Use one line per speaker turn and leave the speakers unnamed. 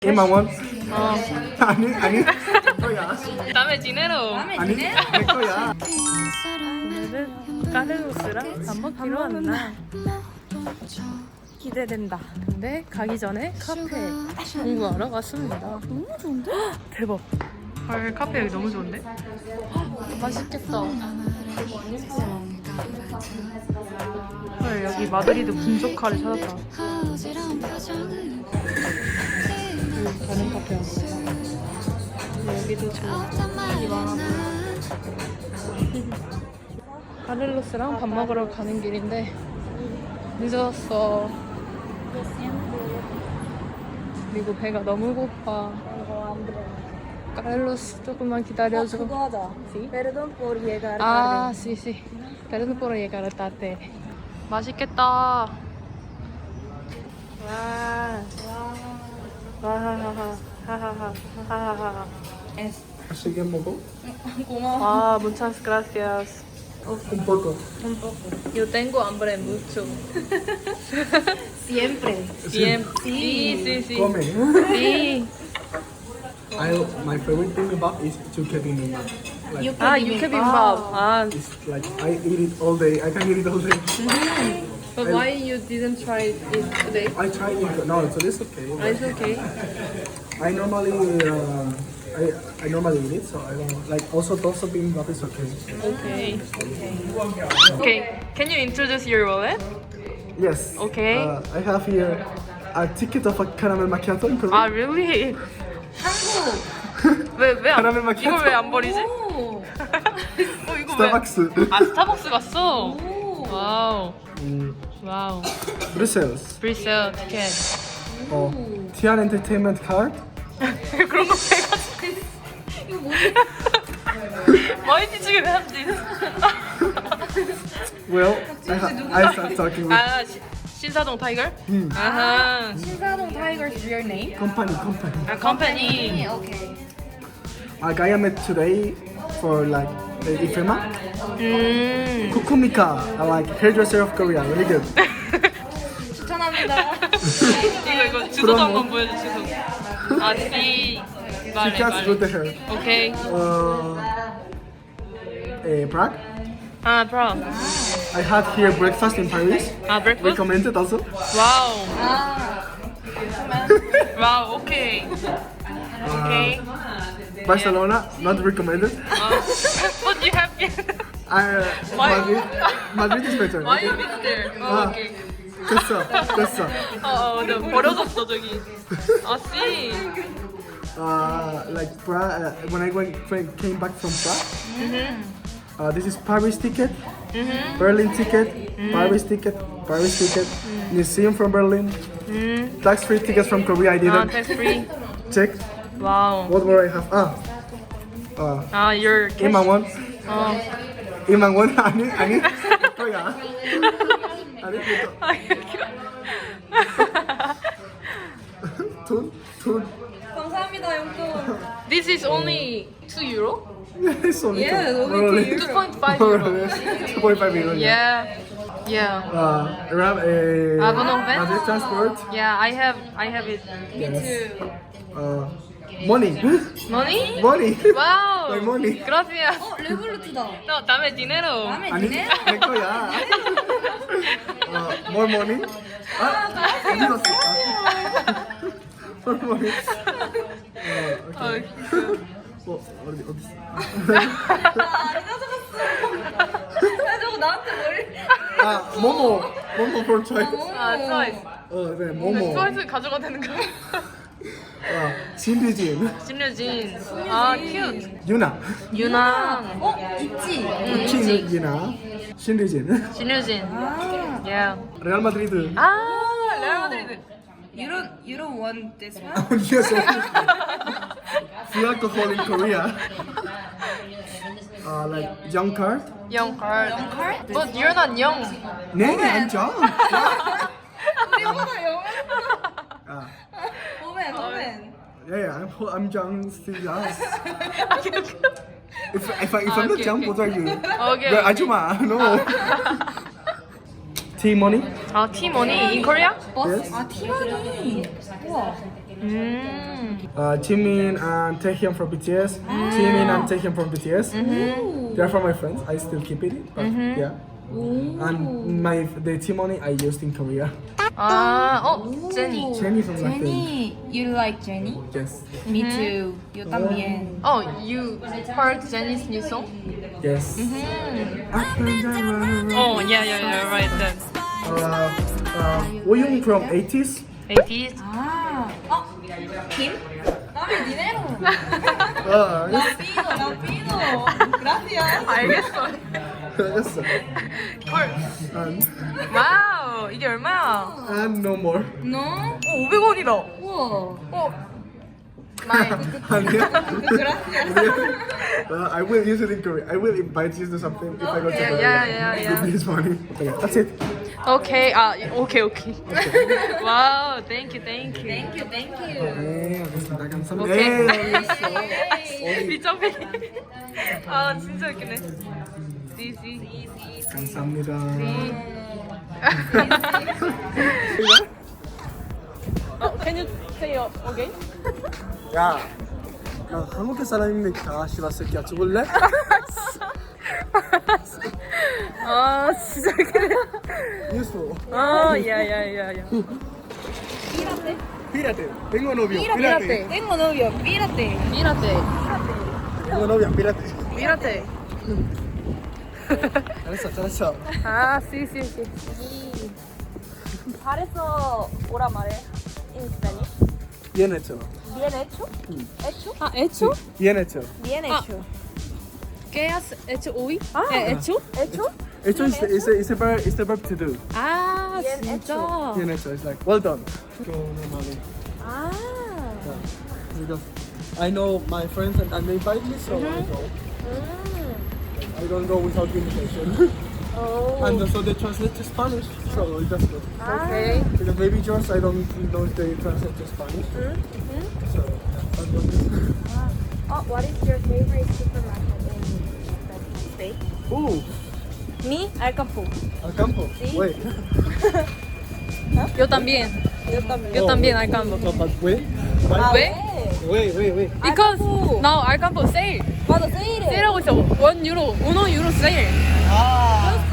1만 원?
어.
아니 내 거야.
다음에 지내러.
아니 내 거야.
오늘은 까르로스랑 밥 먹기로 왔나. 기대된다. 근데 가기 전에 카페 공부하러 왔습니다. 너무 좋은데? 대박. 헐, 카페 여기 너무 좋은데? 맛있겠다. 헐, 여기 마드리드 분조카를 찾았다. 다른 카페 왔어. 여기도 좋은데 많아. 카를로스랑 밥 먹으러 가는 길인데 늦었어. 그리고 배가 너무 고파. 카를로스 조금만 기다려줘.
그거 하자. Perdón por llegar
아,
tarde.
sí. Perdón por llegar tarde. 맛있겠다. 와. 와하하하. 하하하. 하하하.
Así que 먹어?
아, muchas gracias.
Un poco.
Un poco. Yo tengo hambre mucho.
Siempre.
Siempre. Sí, sí, sí.
Come.
Sí.
My favorite thing about is bibimbap. Like
아, 육회비빔밥. 아,
it's like I eat it all day. I can eat it all day.
but why you didn't try it today?
I tried it. No, so it's okay.
Ah, it's okay.
I normally I normally eat it, so I don't like. Also, tofu bibimbap is okay.
Okay. Okay. Can you introduce your wallet?
Yes.
Okay.
I have here a ticket of a caramel macchiato in Peru.
아, really? 왜안
카라멜 마키아토.
이걸 왜 안 버리지?
오.
이거
스타벅스.
왜? 아, 스타벅스 갔어. 와우. 와우.
Brussels.
프리세일 티켓.
Tian Entertainment Card.
그런 거 해가지고. 이거 뭐지? 많이 지금 해야지.
Well, I start talking with
아, 신사동 타이거? 아하.
신사동 Tiger's real name?
company.
아, 컴퍼니.
Okay.
A guy I met today for like IFEMA. Kukumika, I like hairdresser of Korea. Really good.
추천합니다.
이거 주소도 한번 보여주시고. 아, 씨.
She
말해,
cuts good
말해.
hair.
오케이.
Prague.
아, 브라.
I had here breakfast in Paris.
아, 브렉퍼스트?
Recommended also.
와우.
아.
와우, 오케이. 오케이.
Barcelona, not recommended.
But you have been.
Madrid. Madrid is better.
Why you been there?
아.
오케이.
됐어.
네, 버려졌어, 저기. 아, 씨.
Like Prague, when I came back from Prague, this is Paris ticket, Berlin ticket, Paris ticket, museum from Berlin, tax-free tickets from Korea. I
아,
didn't
tax free.
check.
와우.
What more I have?
아, your cash.
1만 원?
어.
1만 원? 아니 거야. 아니 돈.
감사합니다, 용돈.
This is only 2 euro?
It's only
Yeah,
two.
only
2.5 euro.
2.5 euro.
Yeah. Yeah.
Abonnement. Public transport.
Yeah, I have it.
Money.
Money?
Money.
와우.
My money.
Gracias.
레볼루트다.
No, dame dinero.
마음에
아니
드네?
내 거야. More money. 어디 갔어? More money.
어,
어디 있어?
안 가져갔어. 야, 저거 나한테 머리.
모모 for choice.
아, 트와이스.
네, 모모.
트와이스 가져가야 되는 거야?
신비진.
신유진. 아, 큐트.
유나.
유나.
있지?
우킹 유나. 신비진.
신유진. Yeah.
레알 마드리드.
아, 레알 마드리드.
You don't want this one?
Yes. Free alcohol in Korea. Like young card.
Young card.
Young card?
But you're not young.
네, I'm young.
우리보다 영어. 오멘.
Yeah, I'm young, still young. If I'm not young, what are you?
Okay.
You're 아줌마, no. Tea money.
아, T-money in Korea?
Yes.
아 티머니. 우와.
Jimin and Taehyun from BTS. Jimin and Taehyun from BTS. They're from my friends. I still keep it, but yeah. And the T-money I used in Korea.
아, 제니.
Jennie from Blackpink.
Jenny, you like Jenny?
Yes.
Me too. Yo también.
Oh, you heard Jenny's new song?
Yes.
Oh, yeah, right then.
Woyoung from 80s.
80s.
아, 김? 나비 니네로.
Yes.
라피노. Gracias.
알겠어.
Yes.
헐. 와우, 이게 얼마야?
And no more.
No?
500원이다.
우와.
아니야?
Gracias.
I will use it in Korea. I will invite you to something if I go to Korea.
yeah.
Give me this money. Okay, that's it.
오케이, 오케이. 와우, thank you.
Thank you.
네, 알겠습니다. 감사합니다.
오케이.
네,
미정배. 아, 진짜 웃기네. CC.
감사합니다.
Can you say again?
야, 나 한국 사람인데 다 싫었을게. 죽을래?
아, 진짜 그래.
Useful.
아, 야.
Pírate. Tengo novio.
Pírate.
Tengo novio. Pírate.
Tengo novia. Pírate.
Mírate.
잘했어.
아, sí.
잘했어 오라 말해 in Spanish.
Bien hecho.
Bien hecho. Hecho.
아, hecho?
Bien hecho.
Bien hecho.
¿Qué has hecho hoy?
아.
hecho?
Hecho.
Hecho is the verb to do.
아,
Bien
진짜.
Bien hecho. It's like well done. Go normally.
아.
Because I know my friends and they invite me, so I go. I don't go without invitation.
오.
And so they translate to Spanish, so that's good.
Okay.
Because maybe yours, I don't know if they translate to Spanish. So that's good.
What is your favorite supermarket in the States?
Ooh,
Me, Alcampo.
Alcampo.
Sí.
Wait.
Yo también. Yo también Alcampo.
No, but wait.
왜?
Wait.
Because now Alcampo sale.
맞아, 세일해.
세일하고 있어. 1 유로 세일.
Ah.